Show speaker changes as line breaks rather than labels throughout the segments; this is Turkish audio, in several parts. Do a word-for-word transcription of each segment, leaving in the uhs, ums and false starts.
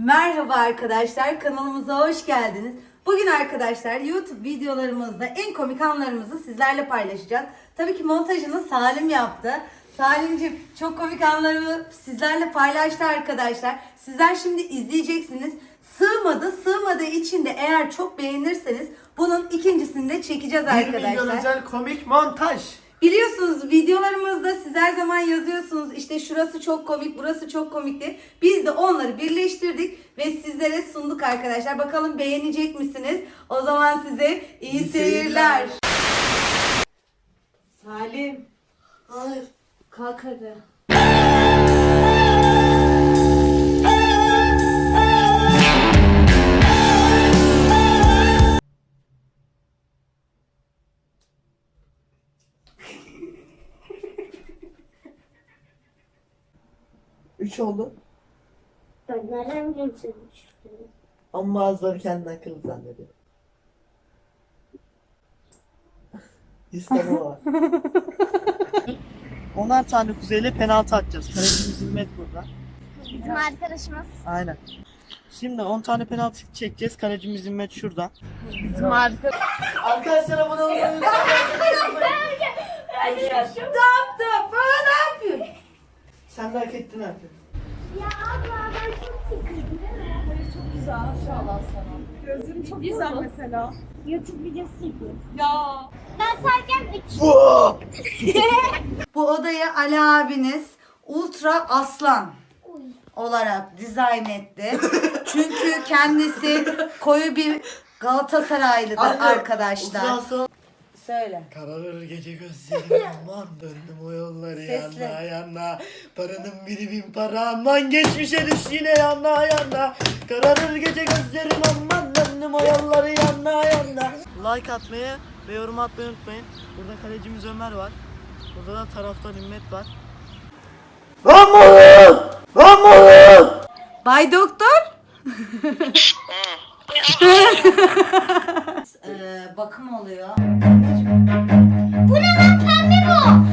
Merhaba arkadaşlar, kanalımıza hoş geldiniz. Bugün arkadaşlar YouTube videolarımızda en komik anlarımızı sizlerle paylaşacağız. Tabii ki montajını Salim yaptı. Salimciğim çok komik anlarımı sizlerle paylaştı arkadaşlar. Sizler şimdi izleyeceksiniz. Sığmadı, sığmadığı için de eğer çok beğenirseniz bunun ikincisini de çekeceğiz arkadaşlar.
bir milyon özel komik montaj.
Biliyorsunuz videolarımızda siz her zaman yazıyorsunuz işte şurası çok komik, burası çok komikti. Biz de onları birleştirdik ve sizlere sunduk arkadaşlar. Bakalım beğenecek misiniz? O zaman size iyi, iyi seyirler. Salim.
Hayır.
Kalk hadi.
Üç oldu.
Ben nereden geçirmiş?
Ama bazıları kendini akıllı zannediyor. İsteme var. Onar tane kuzeyle penaltı atacağız. Kalecimiz Himmet burada.
Bizim arkadaşımız.
Aynen. Şimdi on tane penaltı çekeceğiz. Kalecimiz Himmet şurada.
Bizim arkadaşımız.
Arkadaşlar abone olmayı unutmayın.
Ne yaptın? Bana ne yapıyorsun?
Sen de hak ettin artık.
Ya abla ben çok sıkıldım.
Çok güzel maşallah sana. Gözüm çok güzel mesela.
YouTube videosu çekiyorum.
Ya.
Ben sayacağım üç.
Bu odayı Ali abiniz Ultra Aslan olarak dizayn etti. Çünkü kendisi koyu bir Galatasaraylıdır arkadaşlar.
Ultrason.
Söyle.
Kararır gece gözlerim aman döndüm o yolları
Sesli.
yana yana. Paranın biri bin para aman geçmişe düş yine yana yana. Kararır gece gözlerim aman döndüm o yolları yana yana. Like atmayı ve yorum atmayı unutmayın. Burada kalecimiz Ömer var. Burada da taraftan Himmet var. Lan oğlum! Lan oğlum!
Bay Doktor. ee, bakım oluyor.
Bu ne lan pembe bu?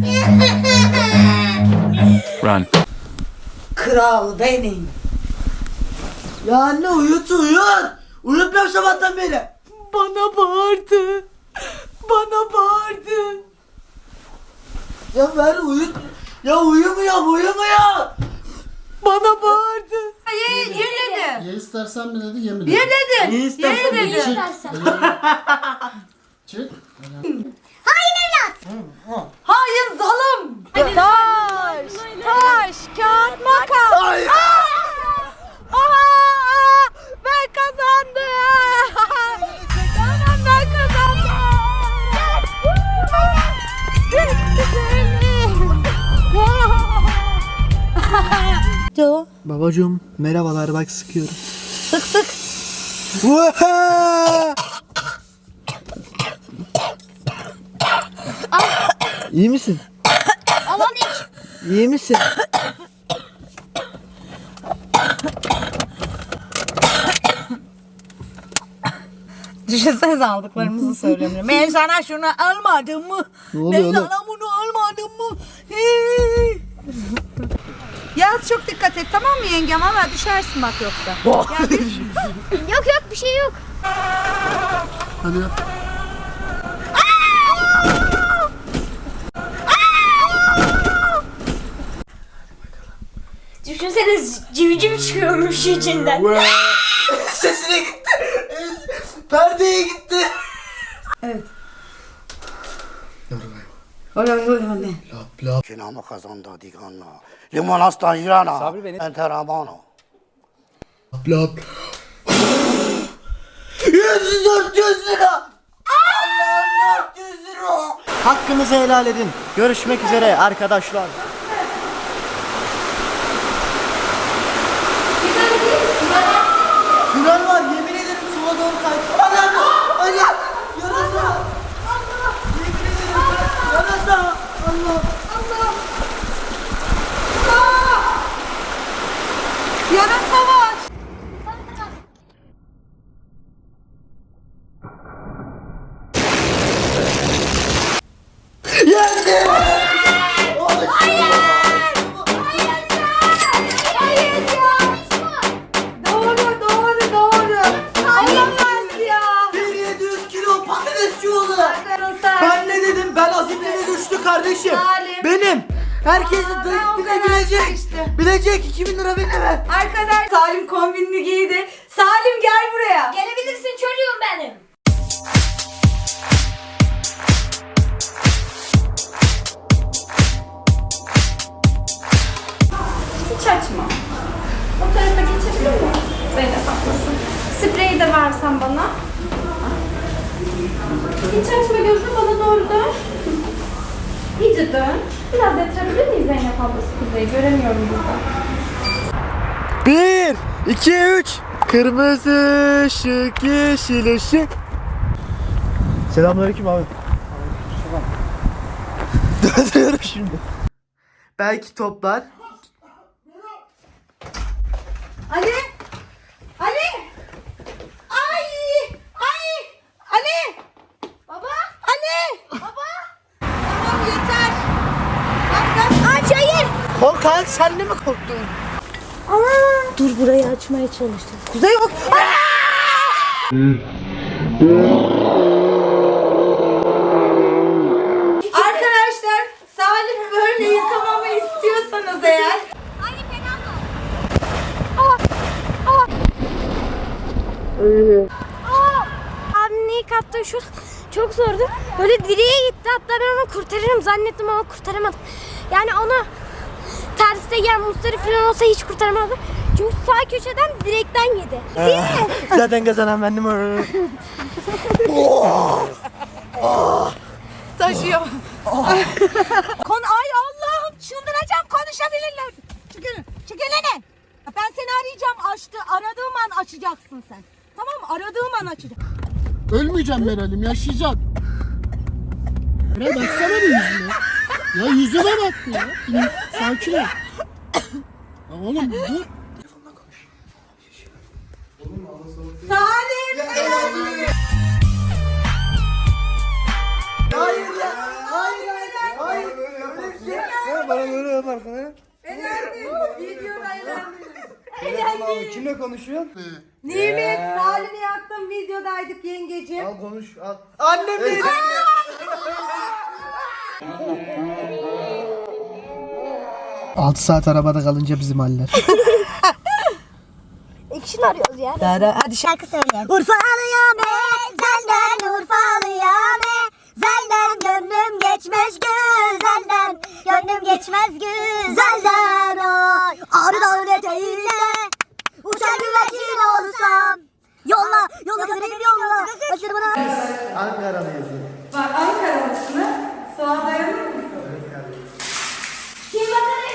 Run.
Kral benim.
Ya anne uyut uyut! Uyutmuyorum sabahtan beri.
Bana bağırdı. Bana bağırdı.
Ya ver uyut. Ya uyumuyorum uyumuyorum.
Bana bağırdı. Ye, ye dedi.
Ye istersen mi dedi, ye mi dedi?
Ye dedi.
Ne istersen
Ye
ye.
dedi.
İstersen.
Çık.
Hayır zalim. Taş, taş, kağıt, makas.
Hayır.
Aha, ben kazandım. Tamam ben kazandım. Do.
Babacığım merhabalar bak sıkıyorum.
Sık sık.
İyi misin?
Aman hiç.
İyi misin?
Düşünsenize aldıklarımızı söylemiyorum. Ben sana şunu almadım mı?
Ne oluyor
Ben
oğlum?
sana bunu almadım mı? Hey! Yaz çok dikkat et tamam mı yengem? Ama düşersin bak yoksa. Ya bir-
Yok yok bir şey yok.
Hadi yap.
Düşünsene civciv çıkıyormuş içinden.
Sesine gitti. Perdeye gitti.
Evet.
Yorulay.
Öyle öyle öyle.
Lap lap.
Kinamo kazandı diganla. Limonastan jirana. Sabri beni. Enteramano.
Lap lap.
yüz dört yüz lira. Allah'ım dört yüz lira. Hakkınızı helal edin. Görüşmek üzere arkadaşlar. Tünel var yemin ederim sola doğru kaydı. Anam! Anam! Yarasa! Allah! Yemin ederim yarasa! Allah! Allah!
Yarasa var.
Yendim! Olsun! kardeşim.
Salim.
Benim. Herkes
Aa,
de
ben o
bile,
kadar
bilecek.
işte.
Bilecek iki bin lira benim.
Arkadaş Salim kombinini giydi. Salim gel buraya.
Gelebilirsin çocuğum benim.
Hiç açma. O tarafa geçebilir miyim? Zeynep haklısın. Spreyi de versen bana. Hiç açma gözünü, bana doğru dön. İyice dön. Biraz yatırabilir miyiz Zeynep ablası Kuzey'i? Göremiyorum burada.
Bir, iki, üç. Kırmızı ışık, yeşil ışık. Selamünaleyküm abi. Döndürüyorum şimdi. Belki toplar.
Ali! Ali! Ay! Ay! Ali! Baba! Ali! Baba! Tamam yeter. Bak bak. Aç hayır.
Korkak sen de mi korktun?
Dur burayı açmaya çalıştım. Kuzey yok. Arkadaşlar Salim böyle yıkamamı istiyorsanız eğer
Aynı fena mı? Abinin ilk attığı şut çok zordu. Böyle direğe gitti, hatta ben onu kurtarırım zannettim ama kurtaramadım. Yani onu terste yiyen Mustafa falan olsa hiç kurtaramadım. Çünkü sağ köşeden direkten yedi. Değil mi?
Zaten kazanan bendim.
taşıyor. Kon ay Allah'ım çıldıracağım, konuşabilirler. Çıkın, çıkılene. Ben seni arayacağım, açtı. Aradığım an açacaksın sen. Tamam mı? Aradığım an açacaksın.
Ölmeyeceğim Meral'im, yaşayacaksın. Meral baksana bir yüzüne. Ya yüzüne bak ya. Sakin ol. Ya oğlum dur.
Salim!
Hayır ya. Hayır hayır. Hayır. Ya bana böyle yaparsın ha.
Eğlendim. Videoda eğlendim.
Kimle konuşuyorsun?
Nimet, Salim'i yaktım. Videodaydık yengeciğim.
Al konuş al. Annem değil.
altı saat arabada kalınca bizim haller.
İkisini arıyoruz ya.
Hadi şarkı söyle.
Urfalıya be, zelden Urfalıya be. Zelden gönlüm geçmez güzelden. Gönlüm geçmez güzelden oy. Ağrı dağın eteğinde uçan güvercin olsam. Yolla, yolla kaderim yolla. Başını bana.
Ankara mı yazıyor?
Bak Ankara'lısını sağa dayanır mısın?
Kim bakar?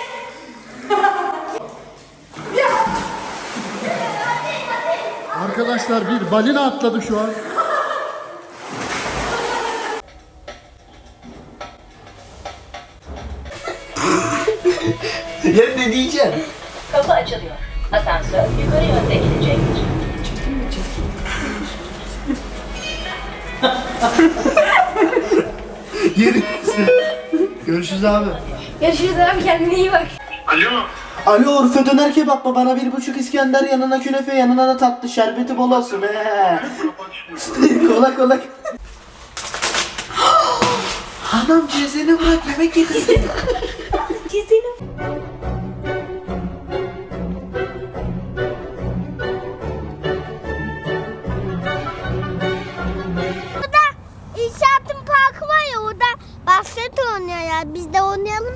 Arkadaşlar bir balina atladı şu an.
Ya ne diyeceğim?
Kapı açılıyor. Asansör yukarı yönde gidecektir.
Geri. Görüşürüz abi.
Görüşürüz abi, kendine iyi bak.
Alo Urfa döner kebap mı? Bana bir buçuk İskender, yanına künefe, yanına da tatlı, şerbeti bol olsun. He. Kola kola. Anam cezeni bırak, yemek yedirsin.
İnşaatın parkı var ya, orada basket oynuyor ya. Biz de oynayalım.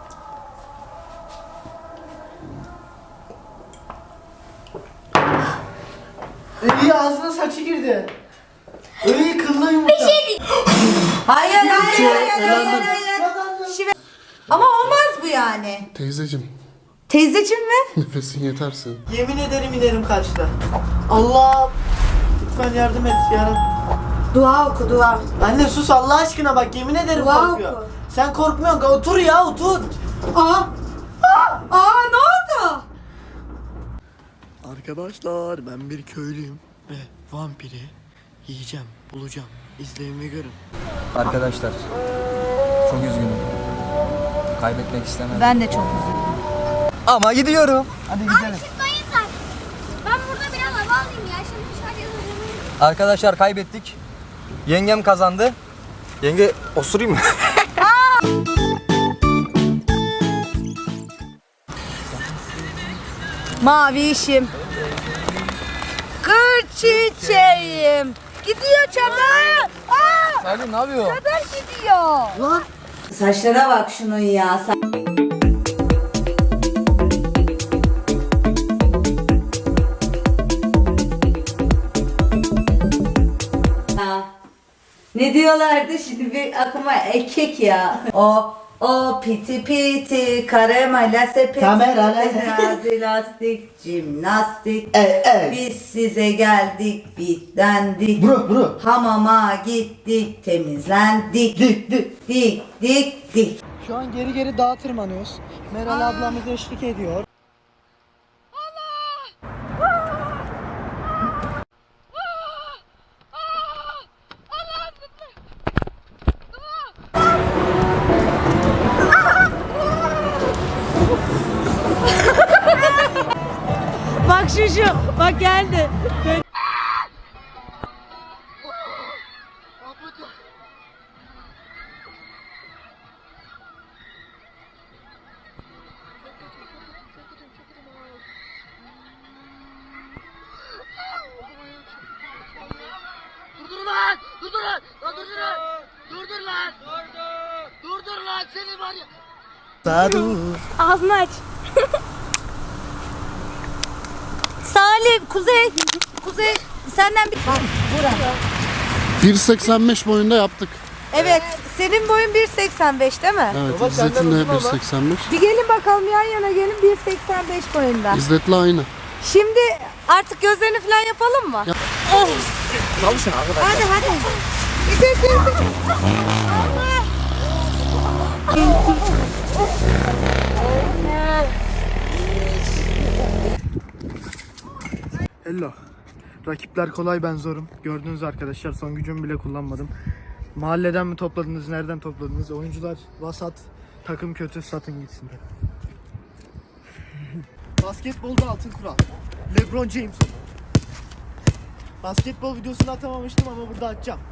İyi ağzına saçı girdi. İyi kıllı yumurta. Bir şey değil.
Hayır, hayır, hayır, hayır,
elendim.
hayır, hayır. Şive- Ama olmaz bu yani.
Teyzeciğim,
Teyzeciğim mi?
nefesin yetersin.
Yemin ederim inerim kaçta. Allah. Lütfen yardım et ya.
Dua oku, dua.
Anne sus Allah aşkına, bak yemin ederim
Dua
korkuyor.
oku.
Sen korkmuyorsun, otur ya otur.
Aa! Aa! Aa, ne oldu?
Arkadaşlar ben bir köylüyüm ve vampiri yiyeceğim, bulacağım. İzleyin ve görün.
Arkadaşlar çok üzgünüm. Kaybetmek istemem.
Ben de çok üzüldüm.
Ama gidiyorum.
Hadi gidelim.
Çıkmayın da. Ben burada biraz hava alayım ya. Şimdi dışarıya oynayayım.
Arkadaşlar kaybettik. Yengem kazandı. Yenge osurayım mı?
Mavişim. Kır çiçeğim. Gidiyor çadır. Aa!
Salim ne yapıyor?
Çadır gidiyor. Lan. Saçlara bak şunun ya. Ha. Ne diyorlardı şimdi bir aklıma ekek ya. O o piti piti karamela sepeti
Kamera
terazi lastik jimnastik.
Ey ey.
Biz size geldik bitlendik.
Bro bro.
Hamama gittik temizlendik.
Dik dik.
Dik dik dik.
Şu an geri geri dağa tırmanıyoruz. Meral ablamız eşlik ediyor.
Bak şu şu. Bak geldi.
Durdur lan! Durdur lan! Lan durdur lan! Durdur lan! Durdur! Durdur lan seni var ya! Sarı.
Ağzını aç.
Salim, Kuzey. Kuzey senden bir... Bak Burak.
bir seksen beş boyunda yaptık.
Evet, senin boyun bir seksen beş değil mi?
Evet,
Baba,
İzzet'in
senden
de
uzun
bir seksen beş.
Bir gelin bakalım yan yana gelin bir seksen beş boyunda.
İzzet'le aynı.
Şimdi artık gözlerini falan yapalım mı?
Yap.
Çalışın arkadaşlar.
Hadi hadi. Gidelim, gidelim.
Hello. Rakipler kolay, ben zorum. Gördüğünüz arkadaşlar, son gücümü bile kullanmadım. Mahalleden mi topladınız, nereden topladınız? Oyuncular vasat, takım kötü, satın gitsinler. Basketbolda altın kural. LeBron James. Basketbol videosunu atamamıştım ama burada atacağım.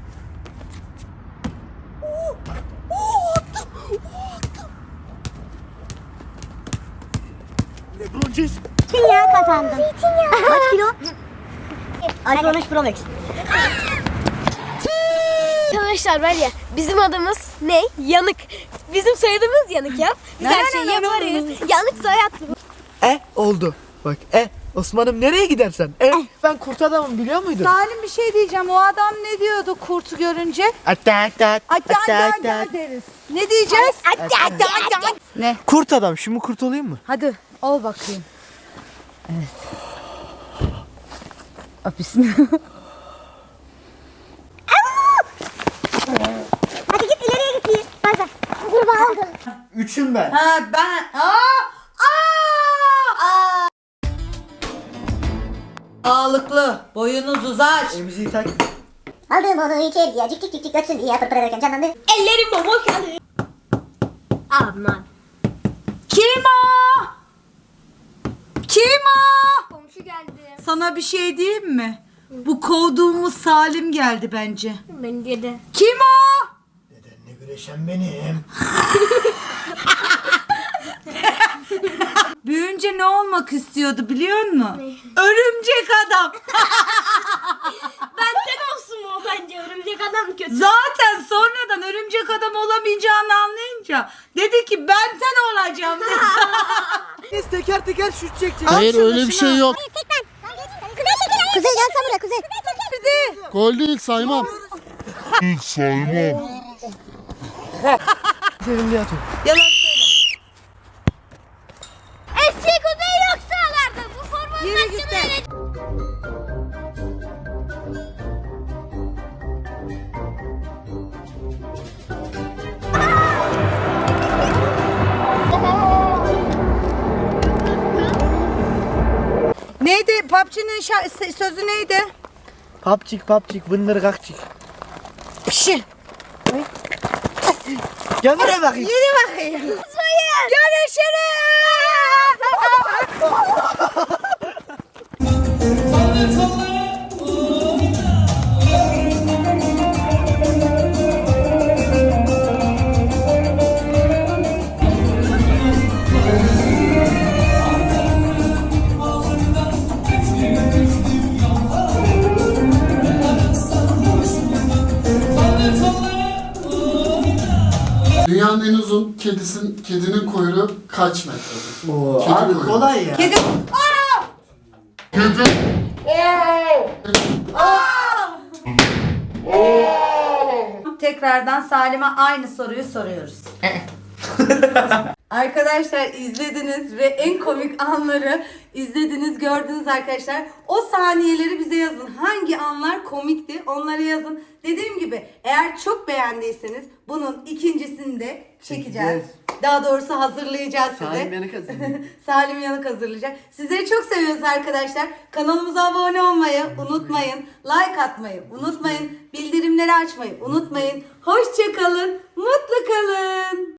LeBron James.
Zeytinyağı kazandım. Zeytinyağı. Kaç kilo? iPhone on üç Pro Max. Arkadaşlar var ya, bizim adımız ne? Yanık. Bizim soyadımız Yanık ya. Biz her şeyi yaparız. Yanık soyadlı.
E oldu. Bak e Osman'ım nereye gidersen? E ben kurt adamım biliyor muydun?
Salim bir şey diyeceğim. O adam ne diyordu kurtu görünce?
Atta atta
Atta atta atta deriz. Ne diyeceğiz? Atta atta atta. Ne?
Kurt adam. Şimdi kurt olayım mı?
Hadi ol bakayım. Evet. Aa, bismillah.
Hadi git ileriye git iyi. Hadi. Kurbağa oldu.
Üçüm ben.
Ha ben. Aa! Aa! Aa! Sağlıklı. Boyunuz uzar.
Emziği tak.
Aldım onu içeriye. Cik cik cik cik ötsün diye pırpır ederken canlandı. Ellerim boboş kaldı. Aman.
Kim o? Kim o?
Komşu geldi.
Sana bir şey diyeyim mi? Bu kovduğumuz Salim geldi bence.
Bence de.
Kim o?
Nedenle güreşen benim.
Büyüyünce ne olmak istiyordu biliyor musun? Örümcek adam.
Benden olsun mu o bence? Örümcek adam kötü.
Zaten sonradan örümcek adam olamayacağını anlayınca dedi ki benden olacağım dedi.
Biz teker teker şut çekeceğiz.
Hayır öyle bir şey yok.
Kuzey çekil. Kuzey gel buraya Kuzey.
Gol değil, saymam.
Senin diye atıyorum.
Yalan söyle.
Eski Kuzey yok sahalarda. Bu formanın
Yürü git de. Neydi? P U B G'nin şa- sözü neydi?
Papçık papçık vındır kakçık.
Pişi.
Gel buraya bakayım.
Yürü bakayım. Görüşürüz.
Dünyanın en uzun kedisin, kedinin kuyruğu kaç metredir?
Oo,
Kedi
abi
kuyruğu.
kolay ya.
Kedi. Aa! Tekrardan Salim'e aynı soruyu soruyoruz. Arkadaşlar izlediniz ve en komik anları izlediniz, gördünüz arkadaşlar. O saniyeleri bize yazın. Hangi anlar komikti onları yazın. Dediğim gibi eğer çok beğendiyseniz bunun ikincisini de çekeceğiz.
Çekeceğiz.
Daha doğrusu hazırlayacağız size.
Salim Yanık hazırlayacak.
Salim Yanık hazırlayacak. Sizleri çok seviyoruz arkadaşlar. Kanalımıza abone olmayı unutmayın. Like atmayı unutmayın. Bildirimleri açmayı unutmayın. Hoşça kalın. Mutlu kalın.